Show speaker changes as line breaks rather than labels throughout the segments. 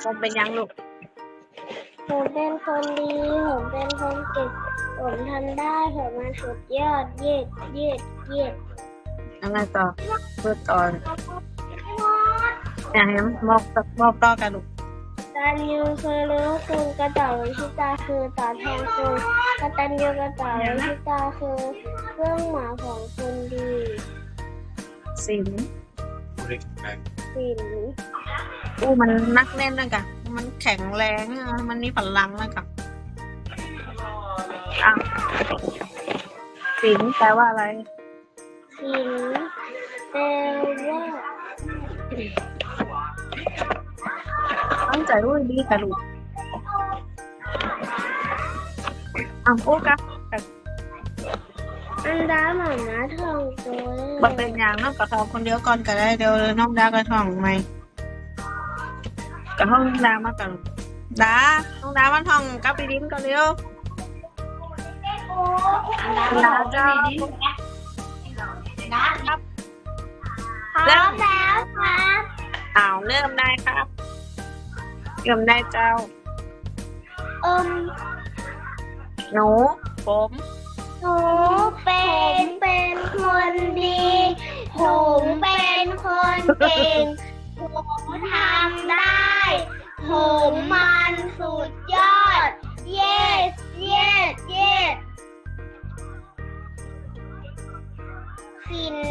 ผมเป็นยังลูก
ผมเป็นคนดีผมเป็นคนเก่งผมทำได้ผมมันสุดยอดเย็ด
ยังไงต่อพูดต่ออย่างนี้มอบต่อกันลูก
ตันยูคือรู้คุณกระต่ายวิชิตาคือตอบแทนคุณกตัญญูกระต่ายวิชิตาคือเครื่องหมายของคนดี
สิน
ศีล
มันนักเล่นนะกะมันแข็งแรงอะมันมีพลังนะกะสินแปลว่าอะไร
ศีลแปลว่า
ตั้งใจรู้ดีค่ะลูกโอ้กะ
อันดาหมาม้าทองตัว
บัเป็นอย่างน้องกระทองคนเดียวก่อนก็ได้เดี๋ยวน้องดากระทองไหมกระทองดามากันน้องดามาทองกับไปดิ้นก่อนเร็วดาเจ้าครับ
พร้อมแล้วครับ
เริ่มได้ครับเริ่มได้เจ้าหนูผม
หนูเป็นคนดีผมเป็นคนเก่งผมทำได้ผมมันสุดยอด yes ศีล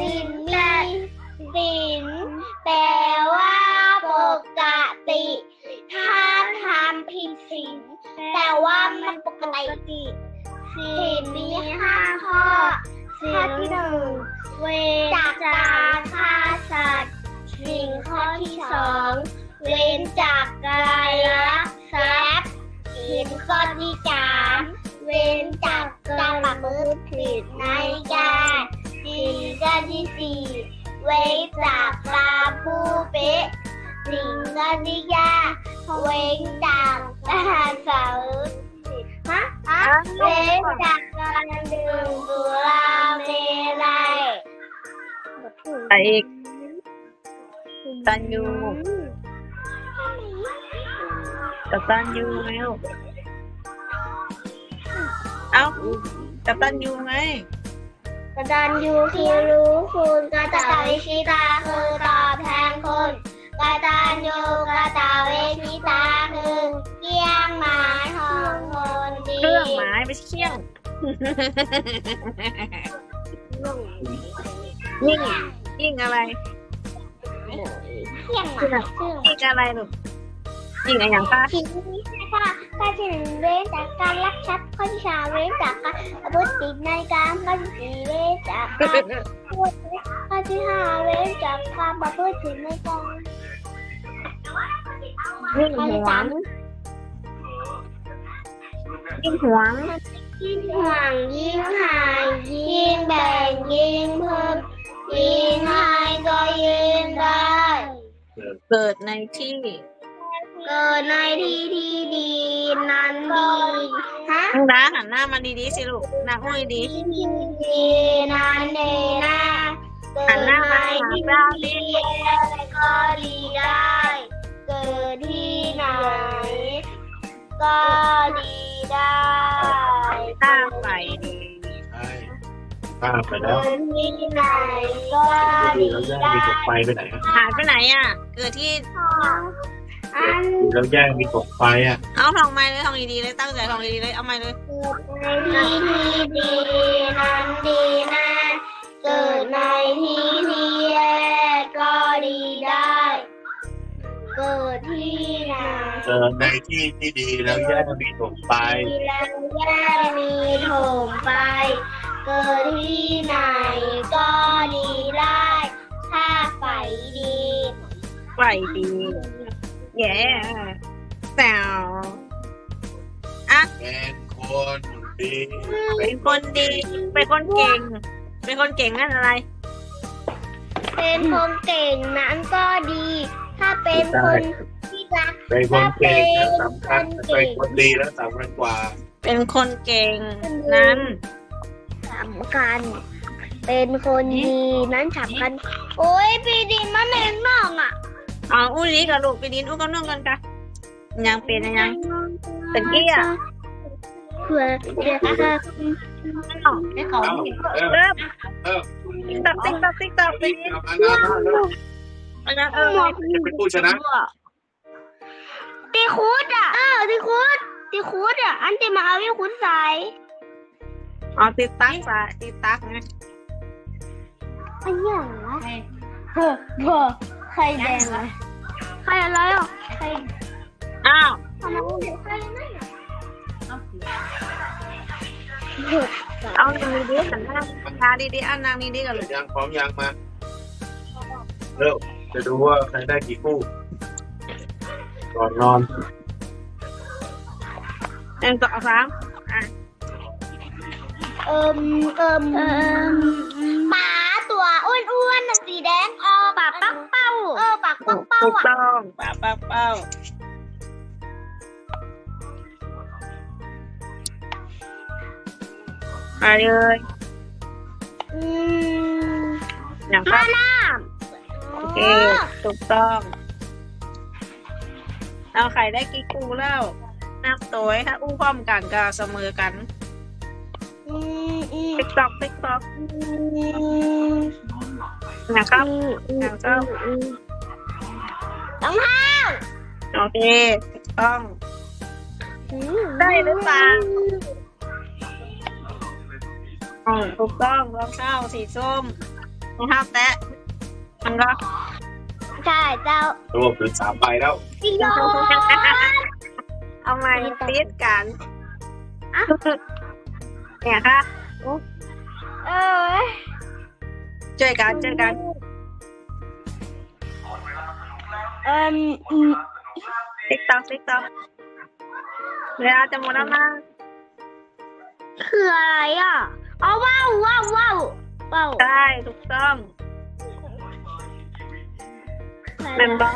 แปลว่าปกติถ้าทำผิดศีลแต่ว่ามันปกติศีลมี5 ข้อข้อที่ 1เว้นจากฆ่าสัตว์ศีลข้อที่ 2เว้นจากการลักทรัพย์ศีลข้อที่ 3เว้นจากการประพฤติผิดในการศีลข้อที่ 4เว้นจากการพูดเป๊ะศีลข้อที่ 5เว้นจากการสาวเว้นจากการดื่มสุราเมลัย
ไปอีกตันยูกับตันยูไงลูกกับตันยูไง
กตัญญูคือรู้คุณกตวิชิตาคือตอบแทนคุณกตัญญูกตวิชิตาคือเกี่ยงหมายของคนดี
เครื่องหมายไม่ใช่เคี่ยงยิ่งอะไร
เกี่ยงหมาย
ยิ่งอะไรลูกยิ่งอะไรอย่างป้า
สิ่งนี้ค่ะข้อที่ 1เว้นจากการลักทรัพย์ข้อที่ 3เว้นจากการประพฤติผิดในกามข้อที่ 4เว้นจากการข้อที่ 5เว้นจากการประพฤติผิดในกาม
ยิ่งหวงยิ่งหวง
ยิ่งหายยิ่งแบ่งยิ่งเพิ่มยิ่งให้ก็ยิ่งได้
เกิดในที่
ที่ดีนั้นดี
น้องดาหันหน้ามาดีๆสิลูกหน้าห้อยดี
ที่ดีนั้นดีนะ
หันหน้ามา
ที่ดีก็ดีได้เกิดที่ไหนก็ดีได้
ตั้งไปดี
ข้ามไปแล้ว
ที่ไหนก็ดีได้
ไปไหน
หายไปไหนเกิดที่
แล้วแย่งมีกบไฟ
เอาทองไม้เลยทองดีๆเลยตั้งใจทองดีๆเลยเอาไม้เลย
เกิดในที่ดีนั้นดีนะเกิดในที่แย่ก็ดีได้เกิดที่ไหน
เกิดในที่ที่ดีแล้วแย่งมีกบไฟ
แล้วแย่มีถมไปเกิดที่ไหนก็ดีได้ถ้าไฟดี
แย่แซว
เป็นคนดี
เป็นคนเก่งนั่นอะไร
เป็นคนเก่งนั้นก็ดีถ้าเป็นคนที่รัก
เป็นคนเก่งแล้วสำคัญเป็นคนดีแล้วสำคัญกว่า
เป็นคนเก่งนั้น
สำคัญเป็นคนดีนั้นสำคัญโอ้ยปีดินมันเองน้อง
อุ้ยนี่กับลูกปีดินอุ้ยกับน้องกันยังเป็นยังตะกี้อ่ะ
เผื่อเดี๋ยวค่ะ
ให้เขา
เอาเออ
เริ่ม
เออ
ติ๊กต๊อกติ๊กต๊อกติ๊กต๊อกไปนี่
เอา
อันนั้น
จะเป็นผู้ชนะ
ตีคูดอ่ะตีคูดอ่ะอันตีมาเอาวิคูดใส่
อ๋อติดตั้งซะติดตั้งไง
อันอย่างวะเฮ้อใครแดงอะใครอะไรอ่ะใคร
อ้าว
ทำไมไม่เห็นใครนั่นอ่ะ
เอาอย่างนี้ดิหันหน้าทาดีๆอันนางนี้ดีกันเลย
ยางพร้อมยางมาเร็วจะดูว่าใครได้กี่คู่ก่อนนอน
1 2 3อ่ะ
หมาตัวอ้วนๆน่ะสีแดงออกปากปักเป้าปากปักเป้า
ถูก
อ่ะ
ต้องป้าป้าเป้าไปเลย
อืม
อย่างครับ
น้
โอเคถูกต้องเอาไข่ได้กี่กูแล้วนับตัวถ้าอู้พร้อมกันก็เสมอกัน ติ๊กต๊อกติ๊กต๊อกนะครับนะครับ
ต้องห้า
โอเคถูกต้องได้หรือเปล่าถูกต้องรองเท้าสีส้มรองเท้าแตะมันก็
ใช่เจ้าร
วมถึง3ใบแล้ว
จิโย
เอามาติดกันเนี่ยค่ะ
เออ
เจอกันเจอกัน ติ๊กต๊อกติ๊กต๊อกเวลาจะหมดแล้วนะ
คืออะไรอ่ะเอาว้าว
ใช่ถูกต้อง แม่นบอก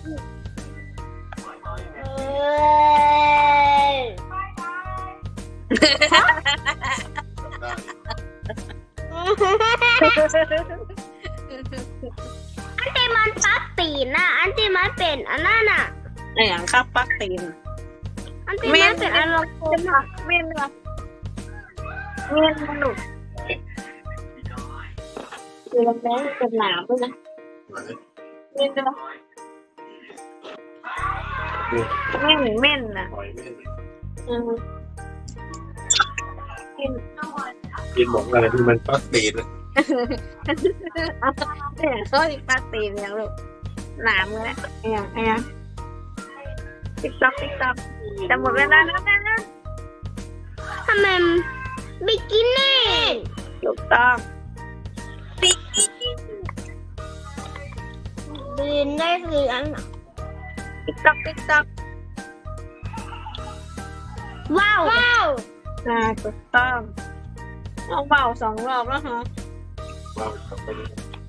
อันที่มันปักตีนน่ะอันที่มันเป็นอันนั้นน่ะ
อย่างข้าวปักตีน
อันที่มันเป็นอารมณ์
เม่นเหรอเม่นมันหนุกคือลำแรงเป็นหนาวด้วยนะเม่นเหรอเม่นนะ
ปล่อยไม่ได้
อืมกิน
กินหมกอะไรที่มันปักตีน
เนี่ยเขาอีกปักตีนอย่างลูกหนามเลยอย่างติ๊กต๊อกติ๊กต๊อกจะหมดเวลาแล้วนะ
ทำไมบิกินี่
ถูกต้อง
บินได้คืออันน่ะ
ติ๊กต๊อกติ๊กต๊อก
ว้าว
ถูกต้องเอาเบา2 รอบแล้วฮะ
ว้าวกลับไปเลย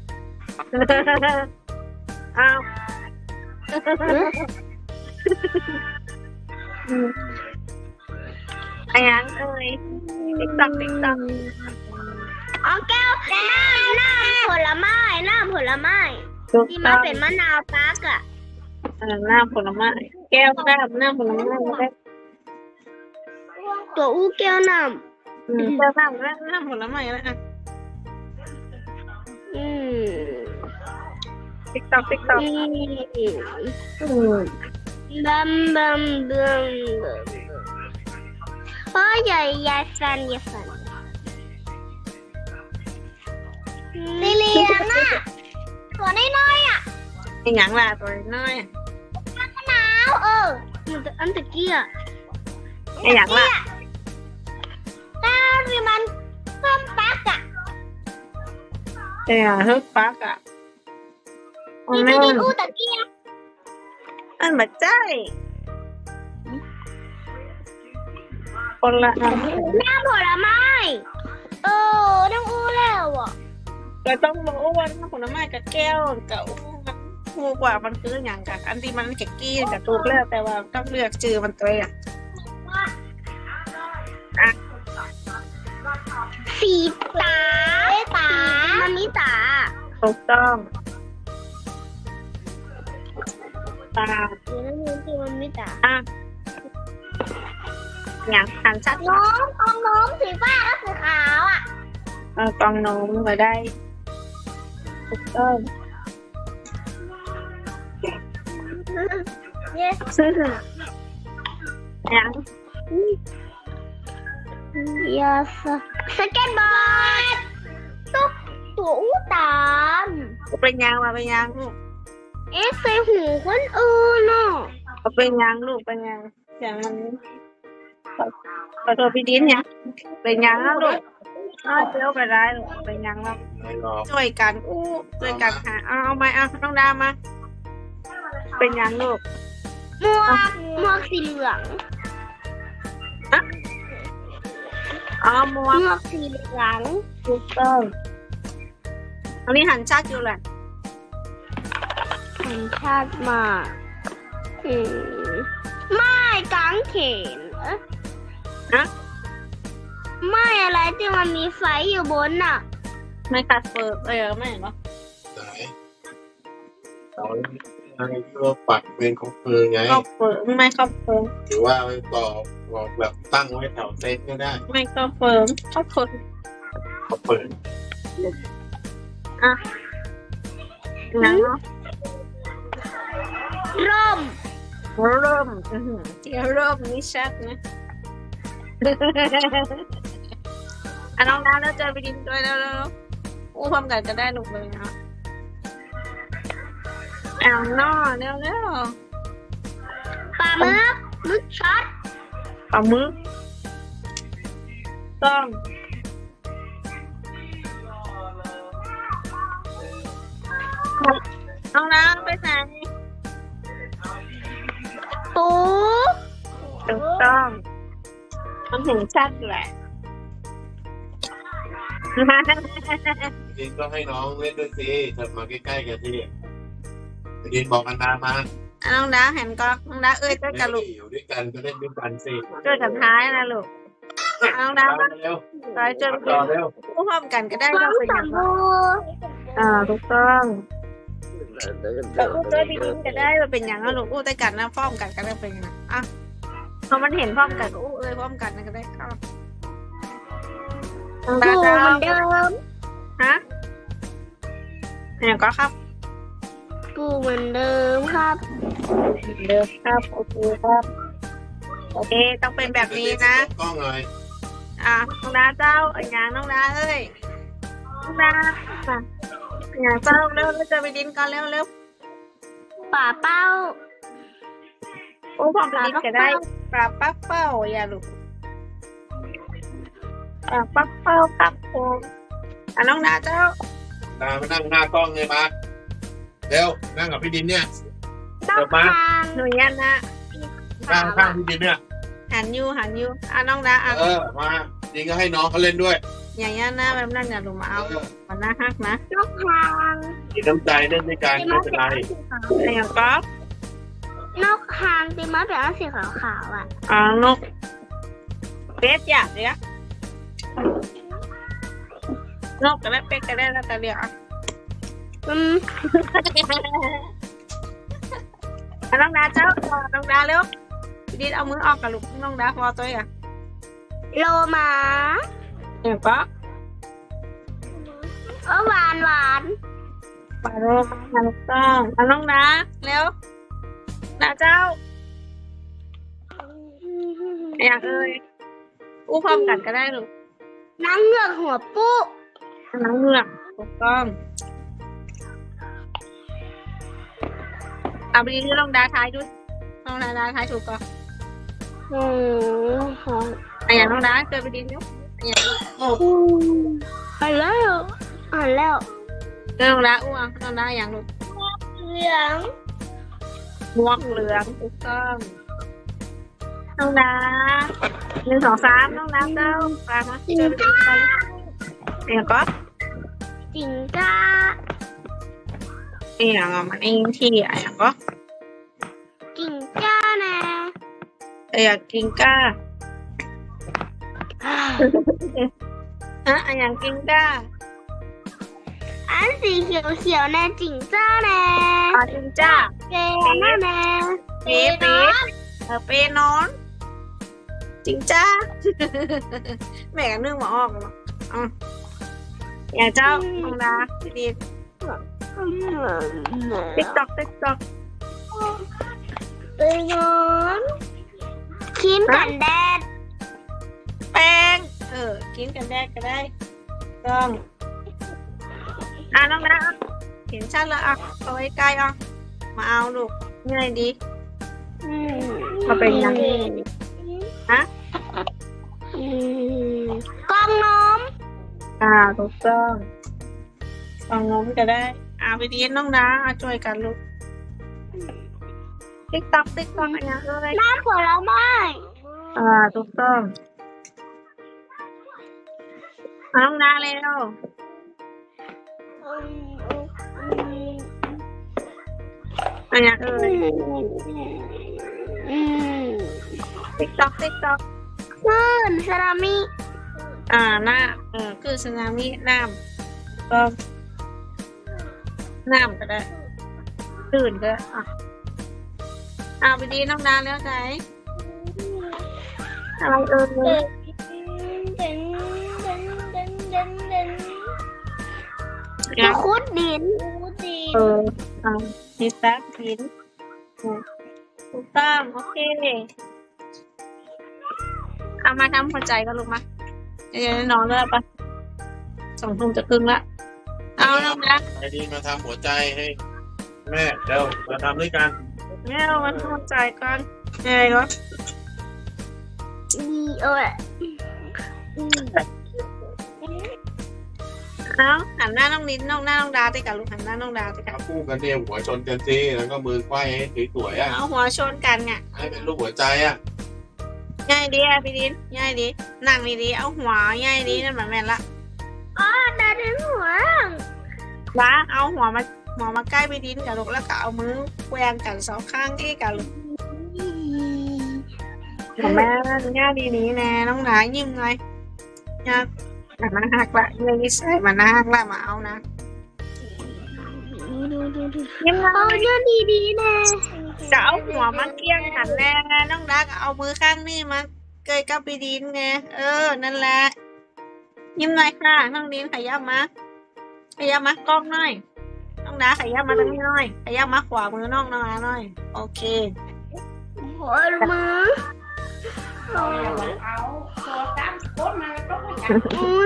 เอาไอ้ยังเอ้ยติ๊กต๊อกติ๊กต๊อก
อ๋อแก้วน้ำผลไม้
ถูก
ที่
ต้
มั
อน ง
เป็นมะนาวปักอ่ะ
น้ำผลไม้แก้วน้ำผลไม้ไม่ได้
ตัวอู้แก้วน้
แก้วน้ำผลไม้แล้ว
ำ
ติ๊กต๊อกติ๊กต๊อก
บัมโอ้ยอย่าฟันลิเลียนน่ะตัวน้อยๆอ่ะ
ไอ้ยังล่ะตัวน้อย
มะนาวมันอันตะกี้อ่ะ
ไอ้ยังล่ะ
ถ้าที่มันเพิ่มปักอ่ะ
ไอ้ยังฮึกปักอ่ะ
ที่ไปกินอู้ตะกี้อ่ะ
อันบัดใจคนละอัน
น้ำผลไม้ต้องอู้แล้วอ่ะ
ก็ต้องรู้ว่าน้ำผลไม้กับแก้วกับมันถูกกว่ามันคืออย่างกับอันที่มันเก็กกี้กับถูกแล้วแต่ว่าต้องเลือกชื่อมันตัวอ่ะ
สีตามันมีตา
ถูกต้องไปตา
สีน้ำเงินที่มันไม่ตา
อ่ะอย่างหันชัด
น้องของน้องสีฟ้าและสีขาวอ่ะ
กองโน้มมาได้ถูกต้อง
เนี่ย
อย่าง
ยาสเก็ตบอร์ดตัวอู้ตาม
เป็นยังมาเป็นยังลูก
ใส่หูคนอื่นเนาะ
เป็นยังลูกเป็นยังอย่างมันขอโทษพี่ดินเนี่ยเป็นยังนะลูกเจ้าไปได้ลูกเป็นยังแล้ว
ไม่หรอก
ช่วยกันอู้ช่วยกันหาเอาไหมน้องดามา เป็นยังลูก
หมวกสีเหลือง
หมว
หม
ก
วกสีเหลือง
ถูกต้องอันนี้หันชัดอยู่แหละ
สัญชาติมาไม่กางเขน
นะ
ไม่อะไรที่มันมีไฟอยู่บนน่ะ
ไม่กัดเฟิร์ไม่เห็นปะ
ไหนเราอะไรที่ว่าปักเป็นของเฟิร์ไง
ครอบเฟิร์ไม่ครอบเฟิร์
หรือว่าไปบอกแบบตั้งไว้แถวเซตก็ได้
ไม่ครอบเฟิร์ครอบเฟิร์
เขาเปิด
นะเนาะ
ร่ม
เริ่มที่เริ่มนี่ชัดนะน้องดาแล้วเจอไปดินด้วยแล้วอู้พร้อมกันก็ได้ลูกเลยนะนอเร็ว
ปลามึกช็อต
ปลาหมึกต้องน้องดาไปไหน
ปู
ถูกต้องมันเห็นชัดแหละ
ดินก็ให้น้องเล่นด้วยสิเถิดมาใกล้ๆกันที่ดินบอกกันดามา
น้องดาเห็นก็น้องดาเจ้ากับลูก
อยู่ด้วยกันก็เล่นด้วยกันสิ
เจ้ากับท้ายนะลูกน้องดา
เร็ว
ต่อยเจอ
ต่อเร็ว
อู้พร้อมกันก็ได้
น้
ก็
อง
เป็นอ
สั
ย่าง
ม
นั้น
บู
ถูกต้องแต่อู้เจอพี่ดินก็ได้มาเป็นอย่างนั้นลูกอู้ได้กันนะพร้อมกันก็ได้เป็นอย่างนั้นพอมันเห็นพร้อมกันก็อู้พร้อมกันก็ได้เข้าน้อง
ปู
ดา
เหมือนเดิม
ฮะเนี่ยก็ครับ
ปูเหมือนเดิมครับ
เดิมครับโอเคครับโอเคต้องเป็นแบบนี้นะ
กล้องเลย
น้องดาเจ้าอย่างน้องดาเอ้ยน้องดาอย่างเจ้าเร็วเจอไปดินก่อนเร็ว
ป่าเป้า
อู้พร้อมไปดินก็ได้ปลาปักเป้าอย่าลูกปักเป้าครับผมน้องดาเจ้า
ดามานั่งหน้ากล้องเลยมาเร็วนั่งกับพี่ดินเนี่ย
ต้อ
เดี๋ยวมา
ทาง
หนูยันนะ
นั่งข้างพี่ดินเนี่ย
หันยูน้องดา
มาดินก็ให้น้องเขาเล่นด้วย
อย่างยันนะแบบนั้นอย่าลูกมาเอามันน่าฮักนะ
นกทาง
มีน้ำใจเล่นด้วยกันไม่เป็นไร
อย่างก็
นกทางตีมาเป็นสีขาวๆอ่ะ
นกเป็ดอยากเลี้ยนกก็ได้เป็ดก็ได้แล้วแต่เลี้ยน้องดาเจ้าน้องดาเร็วดินเอามือออกกับลูกน้องดาพอตัวอ่ะ
โลมา
อย่างก็
หวาน
ปลาโรมาลูกต้องน้องดาเร็วดาเจ้าอย่างอู้พร้อมกันก็ได้ลูก
นางเงือกหัวปุ๊
น้องเงือกถูกต้องเอาไปดินลองดาท้ายดูลองดาท้ายถูกก็อย่างน้องดาเจอไปดินยุอย่างโอ้
หันแล้ว
น้องดาอ้วงน้องดาอย่างลูก
เหลือง
ม่วงเหลืองถูกต้องน้องดา1 2 3น้องดาเจ้าปลามาเจอไปดินไปอย่างก็
จิงก้า
อย่างมันเองที่อย่างก็
จิงก้าแน่
อยากกินก้าอย่างกินก้า
อันสีเขียวๆแน่จิงจ้าแน่
จิงจ้า
เปแม่แม่
เป๊ะเป๊ะเป๊ะนอน จริงจ้า แม่กันนึ่งมาออกเลยอย่างเจ้าน้องดาดีติ๊กตอกติ๊กตอก
เปนอนครีมกันแดด
แป้งกินกันแดดก็ได้ต้องน้องดาเห็นชัดแล้วเอาไว้ใกล้มาเอาลูกง่ายดี มาเป็นยังฮะ
กล่องนม
ถูกต้องลองน้มก็ได้ไปดีน้องดาช่วยกันลูกติ๊กต๊อกอันนี้อะไร
น้ำผลไม้
ถูกต้องน้องดาเร็วอันนี้ติ๊กต๊อก
คลื่นสึนามิ
หน้าคือสึนามิน้ำก็น้ำก็ได้ตื่นก็ไปดีน้องดาแล้วใจอะไร
คุดดิน
มีแป๊บหินถูกต้องโอเคเอามาทำหัวใจกันลูกมาเดี๋ยวนอนแล้วปะ2 ทุ่มจะครึ่งละเอาน้องนะ
ไอ้ดีมาทำหัวใจให้แม่เดี๋ยวมาทำด้วยกัน
แม่เอามาทำหัวใจก่อนยังไงก็
ดีเอ้ย
เอาหันหน้าน้องลิ้นน้องหน้าน้องดาติกับลูกหันหน้าน้องดาติกับ
เอาคู่กันเนี่ยหัวชนกันสิแล้วก็มือไขว้ให้สวยๆ
เอาหัวชนกันไง
ให้เป็นรูปหัวใจ
ง่ายดีพี่ดินง่ายดีนั่งดีๆเอาหัวง่ายดีนั่นเหมือนแม่ละ
ดาถึงหัว
ล้าเอาหัวมาใกล้พี่ดินกับลูกแล้วก็เอามือแกว่งกัน2 ข้างที่กับลูกแม่ง่ายดีนี้แน่น้องหนายิ้มเลยง่ายมันหักละเลยนี่ใส่มันหักละมาเอานะยิ้มเลย
ดีแน่
จะเอาหัวมาเกี้ยงหันแน่น้องดักเอามือข้างนี่มาเกยกับพี่ดินไงนั่นแหละยิ้มหน่อยค่ะน้องดินขยับมากล้องหน่อยน้องดาขยับมาตรงนี้หน่อยขยับมาขวามือน้องหน่อยโอเค
หัวมือ
เอาตัวตามโคตรมาก็ไม่อยาก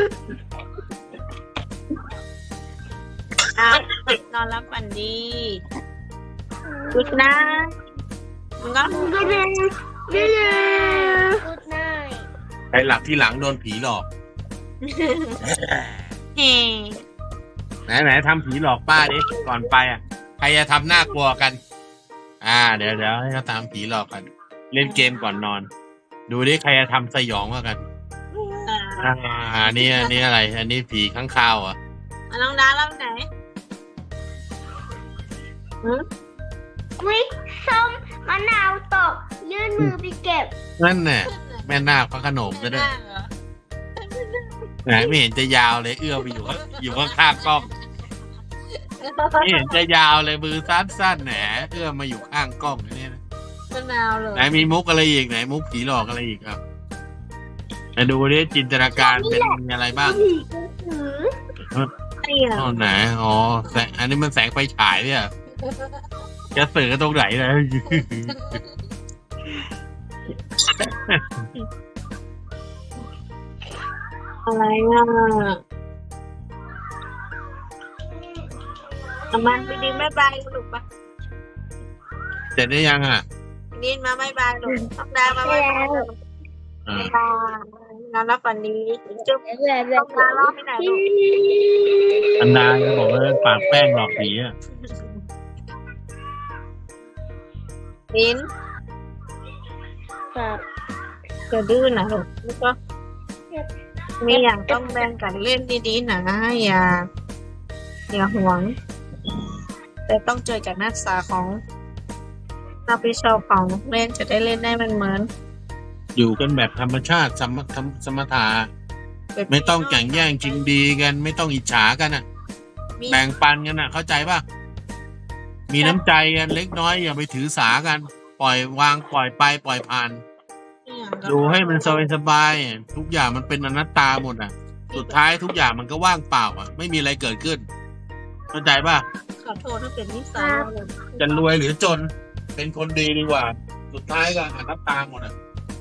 นอนรับฝันดีกุดนะมันก็
กูดเลยกูดไนท์
ใครหลับที่หลังโดนผีหลอก
เฮ้
ไหนทำผีหลอกป้าดิก่อนไปใครจะทำน่ากลัวกันเดี๋ยวให้เขาตามผีหลอกกัน เล่นเกมก่อนนอน ดูดิใครจะทำสยองกว่ากันนี่อะไรอันนี้ผีข้างคาว
น้องดาเล่าไหน
วิส้มมะนาวตกยื่นมือไปเก็บ
นั่นแน่แม่นาคพระโขนงก็ได้ไหนไม่เห็นจะยาวเลยเอื้อไปอยู่ข้างกล้องไม่เห็นจะยาวเลยมือสั้นแหนเอื้อมาอยู่ข้างกล้องนี่นะ
มะนาวเลย
ไหนมีมุกอะไรอีกไหนมุกผีหลอกอะไรอีกครับมาดูดิจินตนาการเป็นอะไรบ้าง
นี่เหรอ
ไหนแสงอันนี้มันแสงไฟฉายเนี่ยจะสื่อตรงไหนเลย
อะไรมาไปดินบายบายลูกปะ
เสร็จได้ยัง
ดินมาบายบายลูกต้องดามาบายบายลูกนอนรับฝันดีจุ๊บต้องดาล้อไปไหนลูก
อันดาจะบอกว่าปากแป้งหลอกผี
ดินจะดื้อนะลูกแล้วก็มีอย่างต้องแบ่งกันเล่นดีๆนะอย่าหวงแต่ต้องเจอจากนักศึกษาของนักวิชาของเล่นจะได้เล่นได้มันเหมือน
อยู่กันแบบธรรมชาติสมถะไม่ต้องแข่งแย่งชิงดีกันไม่ต้องอิจฉากันแบ่งปันกันเข้าใจป่ะมีน้ำใจกันเล็กน้อยอย่าไปถือสากัน ปล่อยวางปล่อยไปปล่อยผ่าน ดูให้มันสบายๆทุกอย่างมันเป็นอนัตตาหมดอ่ะ สุดท้ายทุกอย่างมันก็ว่างเปล่าอ่ะ ไม่มีอะไรเกิดขึ้นเข้าใจป่ะ
ขอโทษถ้าเป็นนิสัยเราเลย
จะรวยหรือจนเป็นคนดีดีกว่า สุดท้ายก็อนัตตาหมดอ่ะ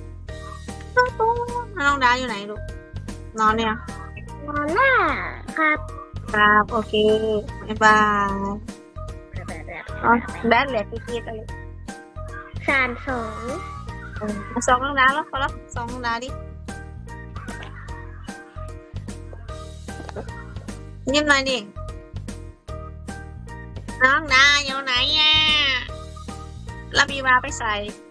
น้องดาอยู่ไหนลูกนอนเนี่ย
นอนหน้าครับ
ครับโอเคบ๊ายบายอ๋อแบดเหลือกี่ๆกันเลย
32
มาสองน้องดาแล้วพอแล้วสองน้องดาดิยิ้มหน่อยดิน้องดาอยู่ไหนอ่ะรับอีวาไปใส่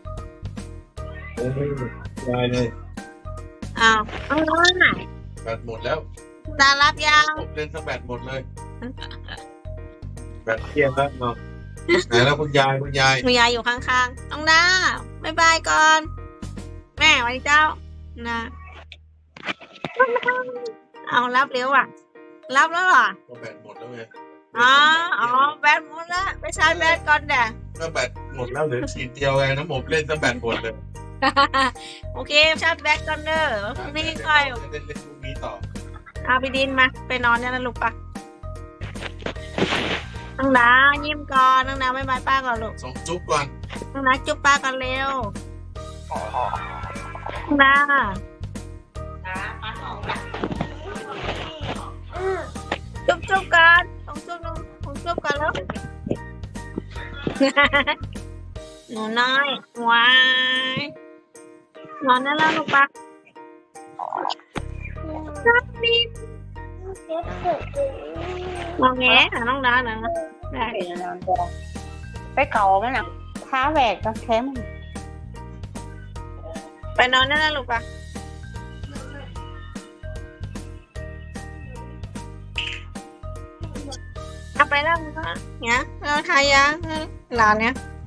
ได้เลย
อ้าวน้องดาไหน
แบตหมดแล้ว
ดารับยัง
ผมเล่นซะแบตหมดเลย แบตเที่ยงแล้วเนาะไหนแล้วคุณยาย
มียายอยู่ข้างๆน้องดาบ๊ายบายก่อน แม่ไว้เจ้านะเอารับเร็วอ่ะ รับแล้วเหรอ
ก็แบตหมดแล้วไง
อ๋อแบตหมดแล้วไปชาร์จแบตก่อนเด้อ
ก็แบตหมดแล้วเหลือขีดเดียวไงน้ำผมเล่นซะแบตหมดเลย
โอเคชาร์จแบตก่อนเด้อนี่ค่อย
เล่นพรุ่งนี้ต่อ
เอาไปดินมาไปนอนเนี่ยนะลูกปะน้องดายิ้มก่อนน้องดาบ๊ายบายป้าก่อนลูก
ส่งจุ๊บก่อน
น้องดาจุ๊บป้าก่อนเร็วน้องดาจุ๊บกันต้องจุ๊บกันแล้ว หนูน้อยว้ายนอนได้แล้วลูกปะนับนิดมองแงหาน้องดาหน่อยนะได้
ไปเก่าไหมน่ะท้าแหวกก็เข้ม
ไปนอนได้แล้วลูกปะเอาไปแล้วมึงก็เนี่ยเราทายาหลานเนี่ย